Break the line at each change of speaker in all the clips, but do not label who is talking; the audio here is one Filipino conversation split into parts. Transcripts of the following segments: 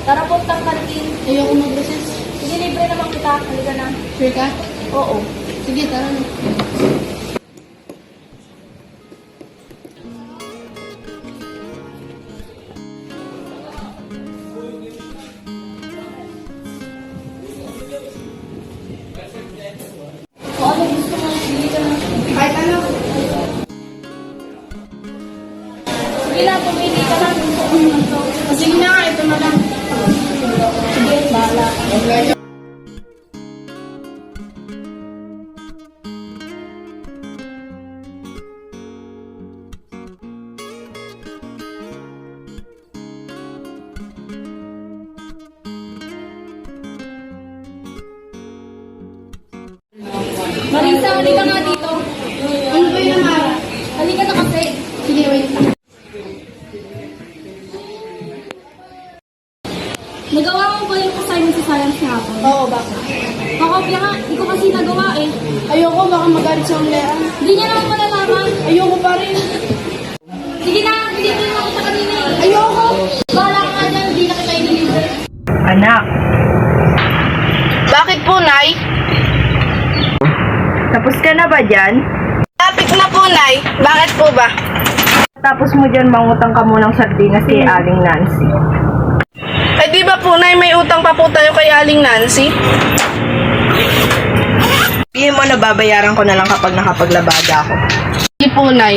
Tara puntang kantin.
Ayoko mag-recess.
Sige, libre naman kita. Halika na.
Sure ka?
Oo.
Sige, tara na.
O ano gusto mo? Sige ka na.
Kahit ano.
Sige na, pumili ka na.
Sige na nga, ito na lang.
Sige, bahala ka. Marisa, halika nga dito.
Ano ba yun, Mara?
Halika na kasi.
Sige, wait.
Nagawa mo ba yung assignment sa science hapon?
Oo, bakit?
Kakopya nga, hindi ko kasi nagawa eh.
Ayoko, baka magalit sa ulian.
Hindi niya naman malalaman.
Ayoko pa rin.
Sige na, hindi mo yung kita kanina eh.
Ayoko!
Bahala ka nga dyan, hindi na kita inilibre.
Anak,
Bakit po, Nay?
tapos ka na ba dyan?
Lapit na po, Nay. Bakit po ba?
Tapos mo dyan, mangutang ka munang sardinas kay Aling Nancy.
Eh di ba po, Nay, may utang pa po tayo kay Aling Nancy?
Sabihin mo na babayaran ko na lang kapag nakapaglabada ako.
Hindi po, Nay.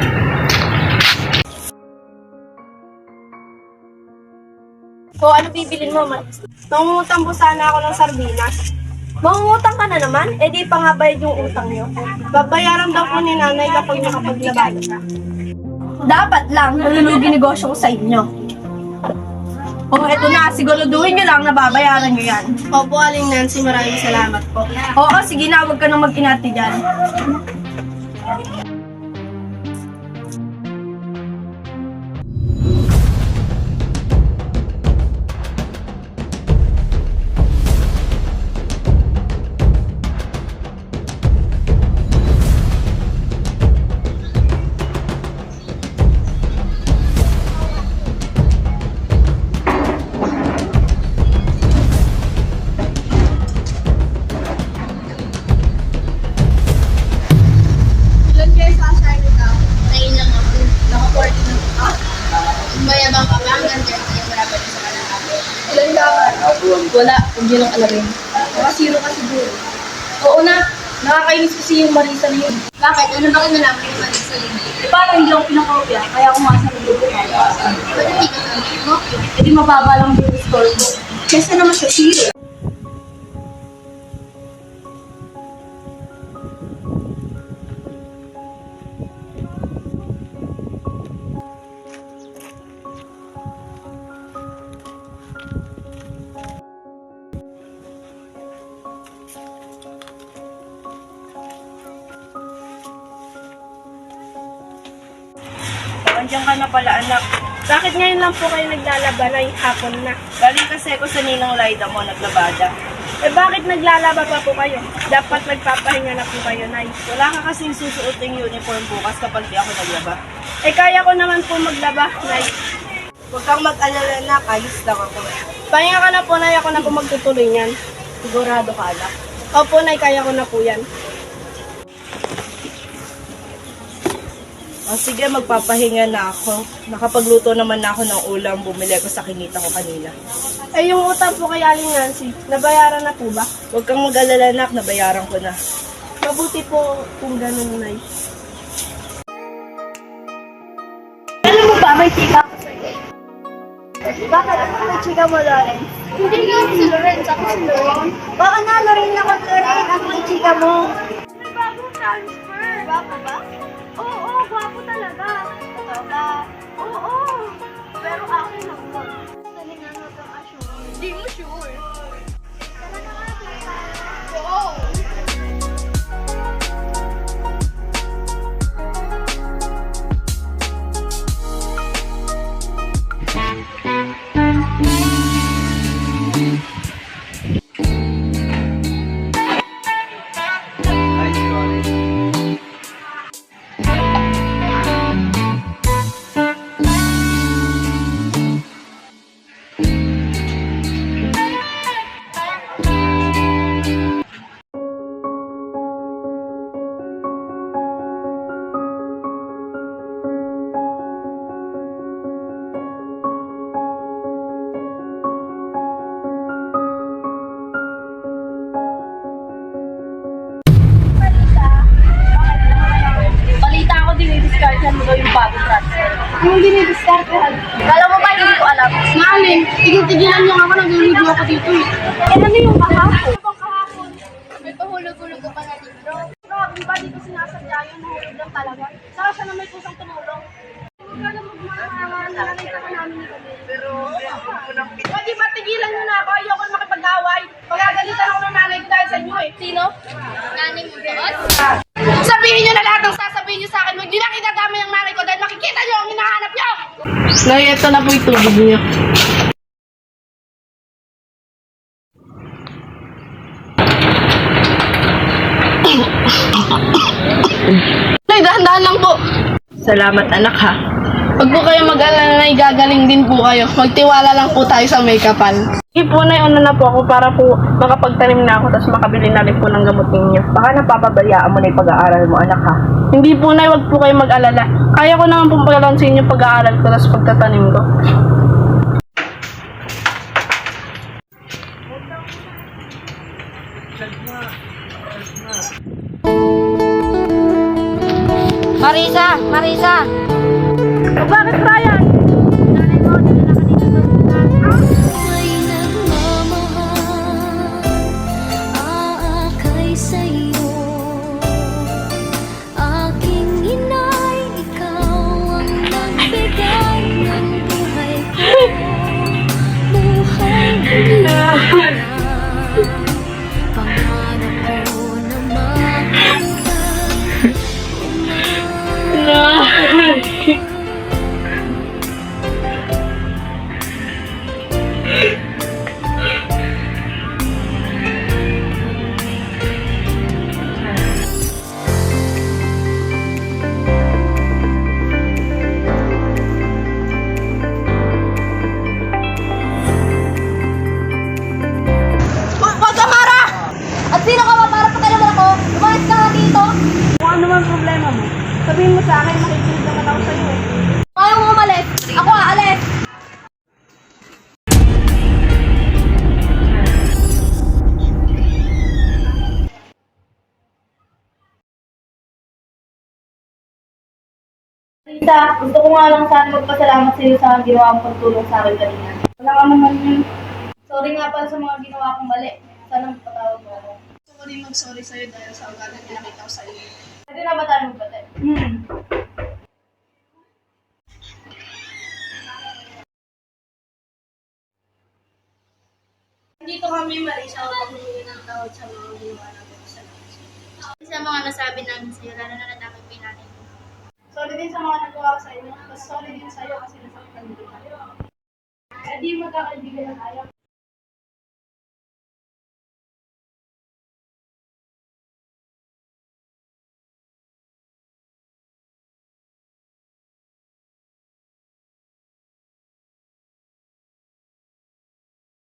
O, ano bibilin mo, man?
Nangungutang po sana ako ng sardinas.
Mangungutang ka na naman? Eh di pa nga bayad yung utang niyo.
Babayaran daw po ni Nanay kapag nakapaglabada siya.
Dapat lang, nalulugi negosyo ko sa inyo. O, eto na, siguraduhin nyo lang na babayaran nyo yan.
Opo, Aling Nancy, maraming salamat po.
Oo, sige na, huwag ka nang mag-inati dyan.
Ilan kayo sa assignment ka? 9 lang ako. Naka-40 na ako. Mayabang ka ba? Hanggang 10 kayo marami sa kanang ako. Ilan dapat?
Wala, huwag nyo lang alamin.
Baka zero ka siguro.
Oo na, nakakainis kasi yung Marisa na yun.
Bakit? Ano ba kayo nalaman yung mali sa linggo?
Eh, paano hindi ako pinakopya? Kaya ako masa ng grupo ko.
Ba't hindi ka sabi mo?
Eh di mababa lang yung score ko. Kesa naman sa zero.
Andiyan ka na pala, anak.
Bakit ngayon lang po kayo naglalaba na yung hapon na?
Galing kasi ako sa Ninang Laida mo, naglabada.
Eh bakit naglalaba pa po kayo? Dapat nagpapahinga na po kayo, Nay.
Wala ka kasing susuoting uniform bukas kapag di ako naglaba.
Eh kaya ko naman po maglaba, Nay.
Huwag kang mag-alala na, ayos lang ako.
Pahinga ka na po, Nay. Ako na po magtutuloy niyan.
Sigurado ka, anak.
Opo, Nay. Kaya ko na po yan.
O sige, magpapahinga na ako. Nakapagluto naman na ako ng ulam, bumili ko sa kinita ko kanina.
Eh yung utang po kay Aling Nancy, nabayaran na po ba?
Huwag kang mag-alala, anak, nabayaran ko na.
Mabuti po kung ganun, Nay.
Alam mo ba, may chika ako sa'yo. Bakit? Ano may chika mo, Lawrence?
Hindi nga si Lorenz, ako si Lorenz.
Oo na, Lorraine ako, Lorraine. Ako may chika mo.
May bagong transfer. Gwapo ba? Oo, gwapo talaga. Totoo ba? Oo. Pero akin lang mo. Dali nga nga kang assure. Hindi mo sure. Talaga nga, tita. Oo.
Kala mo ba hindi ko alam?
Namin, tigil-tigilan niyo ako, naglulugo ako dito eh.
Ano yung kahapon?
Kahapon, may pahulog-hulog ka pa na libro. Grabe ba, di ko sinasadya yun, nahulog lang talaga. Saka siya na may kusang tumulong. Huwag ka na magmamahalan, nakita ka namin ni Camille. Pero, pwede ba tigilan niyo na ako, ayoko na makipag-away. Pagagalitan ako ng nanay ko dahil sa inyo eh. Sino? Nanay mo doon? Sabihin niyo na lahat ng sasabihin niyo sa akin. Huwag niyo na kinadami ng nanay ko dahil makikita niyo ang hinahanap niyo!
Nay, ito na po yung tubig niyo.
Nay, dahan-dahan lang po.
Salamat anak ha.
Huwag po kayo mag-alala na gagaling din po kayo. Magtiwala lang po tayo sa make-upan.
Sige po, Nay, una na po ako para po makapagtanim na ako tapos makabili na rin po ng gamot ninyo. Baka napapabayaan mo na yung pag-aaral mo, anak ha.
Hindi po, Nay, huwag po kayo mag-alala. Kaya ko naman pong pagbalansin yung pag-aaral ko tapos pagtatanim ko.
Marisa! Marisa!
Bakit, Ryan?
Nanay mo, dala na kanina sa hospital.
May nagmamahal, aakay sa'yo. Aking inay, ikaw ang nagbigay ng buhay ko. Buhay na pangarap ko na makita.
Pagkamara!
At sino ka ba para pakialaman ako? Lumayas ka nga dito!
Kung ano man problema mo, sabihin mo sa akin, makikinig naman ako sa'yo eh.
Ayaw mo umalis! Ako aalis! Rita, gusto ko nga lang sana magpasalamat sa iyo sa ginawa mong pagtulong sa akin kanina.
Wala ka naman yun.
Sorry nga pala sa mga ginawa kong mali. Sana magpatawad mo ako.
Gusto ko rin mag-sorry sa'yo dahil sa ugali na nakita ko sa iyo.
Pwede na ba tayo magbate?
Dito kami, Marisa, upang humingi ng tawad sa mga ginawa natin sa
Sa mga nasabi namin sa'yo, lalo na natapag natin.
Sorry din sa mga nagawa ko sa inyo. Tapos sorry din sa'yo kasi nasaktan din tayo. Eh di magkakaibigan na tayo.